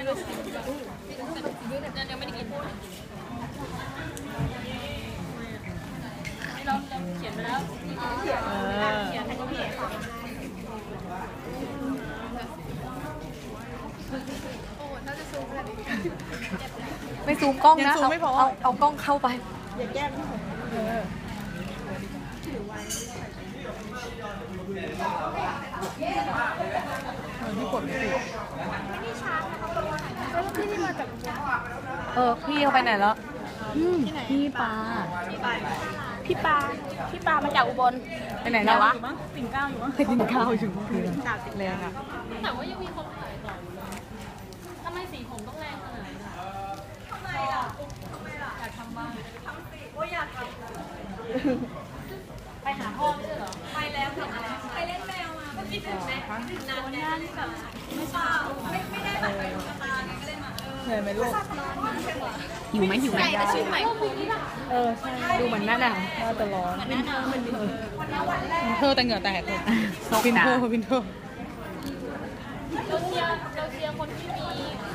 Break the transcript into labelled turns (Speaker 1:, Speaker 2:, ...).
Speaker 1: ยังไม่ได้กินเราเขียนไปแล้วเขียนก็ไม่
Speaker 2: ไม่ซูมกล้องนะเอากล้องเข้าไปอย่าแก้มที่กดไม่ติดพี่มาจากพี่เขาไปไหนแล้วพี่ปลามาจากอุบลไปไหนแล้ววะปิ่นเกล้าอยู่มั้งปิ่นเกล้าอยู่คือแรงอ่ะ
Speaker 1: แต่ว่ายังมีคนขายต่ออยู่เลยทำไมสีผมต้องแรงขนาดนี้ทำไมล่ะอยากทำบ้างทำสิว่าอยากทำไปหาพ่อไม่ใช่เหรอไปแล้วทำอะไรไปเล่นแมวมาคิดถึงไหมคิดถึงนานแน่นี่แบบไม่เปล่าไม่ได้แบบไปดูกระตาไงก็เลยมา
Speaker 2: เหนื่อยไหมลูกหิวไหม
Speaker 1: แต่ชื่อใหม่
Speaker 2: ใช่ดูเหมือนหน้าหนาวน่าจะร้อนวินเทอร์แต่เหงื่อแตกเลยวินเทอร์
Speaker 1: เราเชียร์คนที่มี